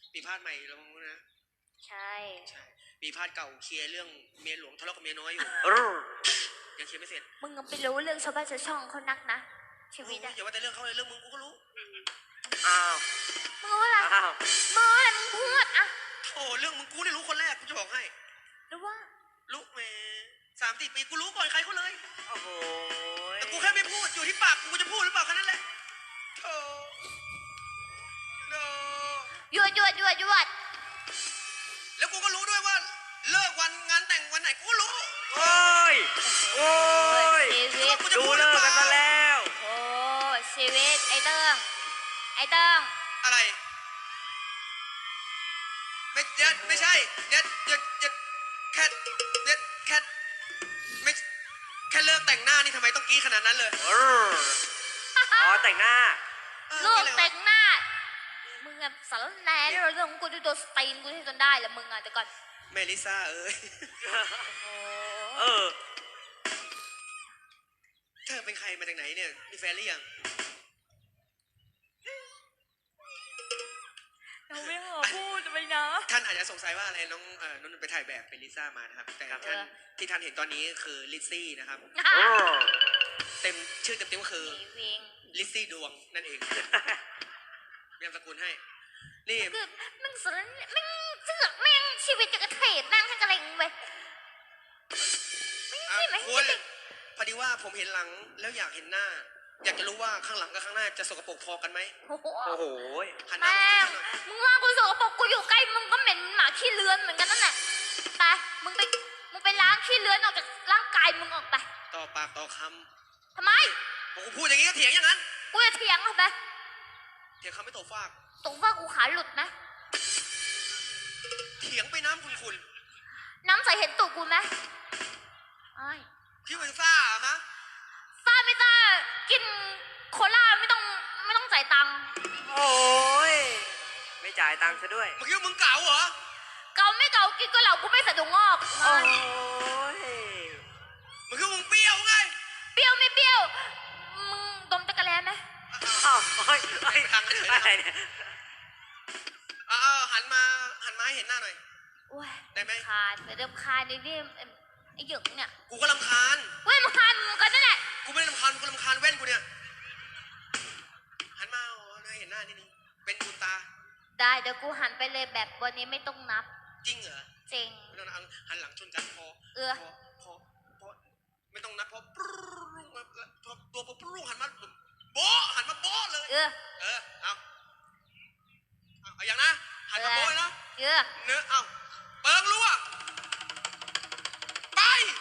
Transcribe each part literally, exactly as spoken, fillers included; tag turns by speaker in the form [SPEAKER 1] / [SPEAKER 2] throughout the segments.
[SPEAKER 1] มีพาดใหม่แล้วมั้งนะ
[SPEAKER 2] ใช่
[SPEAKER 1] ใช่มีพาดเก่าเคลียร์เรื่องเมียหลวงทะเลาะกับเมียน้อยอยู่ยังเคลียร์ไม่เสร็จ
[SPEAKER 2] มึงไปรู้เรื่องชาวบ้านชาวช่องเขานักนะชีวิตอะ
[SPEAKER 1] อย่าว่าแต่เรื่องเขาเลยเรื่องมึงกูก็รู้
[SPEAKER 3] อ้าว
[SPEAKER 2] มึงรู้อะไรมึงรู้อะไรมึงพูดอะ
[SPEAKER 1] โอ้เรื่องมึงกูนี่รู้คนแรกกูจะบอกให้
[SPEAKER 2] รู้ว่า
[SPEAKER 1] รู้แม่สามสี่ปีกูรู้ก่อนใครเขาเลย
[SPEAKER 3] โอ้โห
[SPEAKER 1] แต่กูแค่ไม่พูดอยู่ที่ปากกูจะพูดหรือเปล่าแค่นั้นแหละโธ่โธ่
[SPEAKER 2] หยวดหยวดหยวดหยวด
[SPEAKER 1] แล้วกูก็รู้ด้วยว่าเลิกวันงานแต่งวันไหนกูรู้
[SPEAKER 3] โอ้ยโอ้ยดูเลิกกันซะแล้ว
[SPEAKER 2] โอ้ชีวิตไอ้เติ้งไอ้เติ้ง
[SPEAKER 1] อะไรไม่เด็ดไม่ใช่เด็ดเด็ดเด็ดแค่เด็ดแค่ไม่แค่เลิกแต่งหน้านี่ทำไมต้องกี้ขนาดนั้นเลย
[SPEAKER 3] อ๋อแต่งหน้า
[SPEAKER 2] ลูกแต่งหน้ามึงอะสารแหน่เรื่องของกูดูตัวสตีนกูที่จนได้แล้วมึงอะแต่ก่อน
[SPEAKER 1] เมลิซ่าเอ้ย
[SPEAKER 3] เออ
[SPEAKER 1] เธอเป็นใครมาจากไหนเนี่ยมีแฟนหรือยัง
[SPEAKER 2] เราไม่ขอพูดไปนะ
[SPEAKER 1] ท่านอาจจะสงสัยว่าอะไรน้องเอ่อน้องไปถ่ายแบบเป็นลิซ่ามานะครับแต่ท่านที่ท่านเห็นตอนนี้คือลิซซี่นะครับเต็มชื่อเต็มๆก็คือลิซซี่ดวงนั่นเองเรียกสกุลให้นี่
[SPEAKER 2] คือมึงสนมึงเสือกแม่งชีวิตจะกระเทยนั่งให้กระเลงไปไม่ใช่ไหม
[SPEAKER 1] พอดีว่าผมเห็นหลังแล้วอยากเห็นหน้าอยากจะรู้ว่าข้างหลังกับข้างหน้าจะสกปรกพอกันไหม
[SPEAKER 2] โอ้
[SPEAKER 3] โห
[SPEAKER 2] แม่มึงว่ากูสกปรกกูอยู่ใกล้มึงก็เหม็นหมาขี้เลื้อนเหมือนกันนั่นแหละไปมึงไปมึงไปล้างขี้เลื้อนออกจากร่างกายมึงออกไป
[SPEAKER 1] ต่อปากต่อค
[SPEAKER 2] ำทำไม
[SPEAKER 1] กูพูดอย่างนี้ก็เถียงอย่างนั้น
[SPEAKER 2] กูจะเถียงเหรอไป
[SPEAKER 1] เถียงคำไม่ตกฟาก
[SPEAKER 2] ตกฟากกูขาหลุดไหม
[SPEAKER 1] เถียงไปน้ำคุณคุณ
[SPEAKER 2] น้ำใสเห็นตูดกูไหมไอ้
[SPEAKER 1] พี่เป็นซ่าฮะ
[SPEAKER 2] ซ่าไม่ซ่ากินโคลาไม่ต้องไม่ต้องจ่ายตังค์
[SPEAKER 3] โอ้ยไม่จ่ายตังค์ซะด้วย
[SPEAKER 1] เมื่อกี้มึงเก่าเหรอ
[SPEAKER 2] เก่าไม่เก่ากินก็เหล่ากูไม่สะดุ้งงอก
[SPEAKER 3] โอ้ย
[SPEAKER 1] เมื่อกี้มึงเปรี้ยวไง
[SPEAKER 2] เปรี้ยวไม่เปรี้ยวมึงดมตะกะแลไหม
[SPEAKER 3] อ้าวเฮ้ยไอ้ทางอะไรเนี่ย
[SPEAKER 1] เออหันมาหันมาให้เห็นหน้าหน่อยได้ไหม
[SPEAKER 2] คานไปเริ่มคานในเรื่องไอ้หยงเนี่ย
[SPEAKER 1] กูก็รำคาญ
[SPEAKER 2] เว้ยรำคาญมึงกันนั่นแหละ
[SPEAKER 1] กูไม่ได้รำคาญกูรำคาญแว่นกูเนี่ยหันมาโอ้ให้เห็นหน้านิดนึงเป็นบุญตา
[SPEAKER 2] ได้เดี๋ยวกูหันไปเลยแบบวันนี้ไม่ต้องนับ
[SPEAKER 1] จริงเหรอ
[SPEAKER 2] จริง
[SPEAKER 1] ไม่ต้องหันหลังชนกันพอ
[SPEAKER 2] เออ
[SPEAKER 1] พอพอไม่ต้องนับพอปรุงตัวปรุงหันมาโบหันมาโบเลย
[SPEAKER 2] เออ
[SPEAKER 1] เออเอาเอาอย่างนะหันมาโบเลยนะ
[SPEAKER 2] เออ
[SPEAKER 1] เนื้อเอาเปิงรั่วไป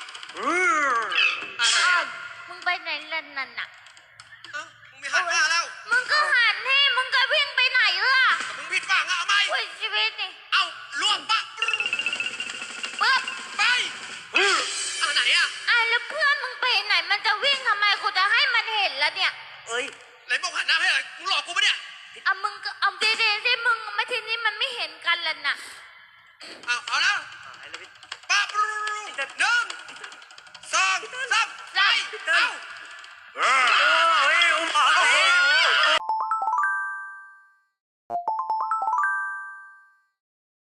[SPEAKER 2] อะไรมึงไปไหนล่ะนั่นน่ะ
[SPEAKER 1] เอ้ามึงไม่หันหน้าแล้ว
[SPEAKER 2] มึงก็หันให้มึงก็วิ่งไปไหนล่ะ
[SPEAKER 1] มึงผิดฝั่งอะเอาไหม
[SPEAKER 2] โอ้ยชีวิตนี่
[SPEAKER 1] เอารั่วปะ
[SPEAKER 2] ปึ๊บ
[SPEAKER 1] ไปเอาไหนอะ
[SPEAKER 2] อ่ะแล้วเพื่อนมึงไปไหนมันจะวิ่งทำไมกูจะให้มันเห็นแล้วเนี่ย
[SPEAKER 3] เอ้ย
[SPEAKER 1] ไหนบอกหันหน้าให้เลยมึงหลอกกูปะเนี่ย
[SPEAKER 2] อ่ะมึงก็เอาเด็ดๆสิมึงไม่ทีนี้มันไม่เห็นกันแล้วน่ะ
[SPEAKER 1] เอาเอาแล้วปะปรุงหนึ่งสองสามไปเอาไป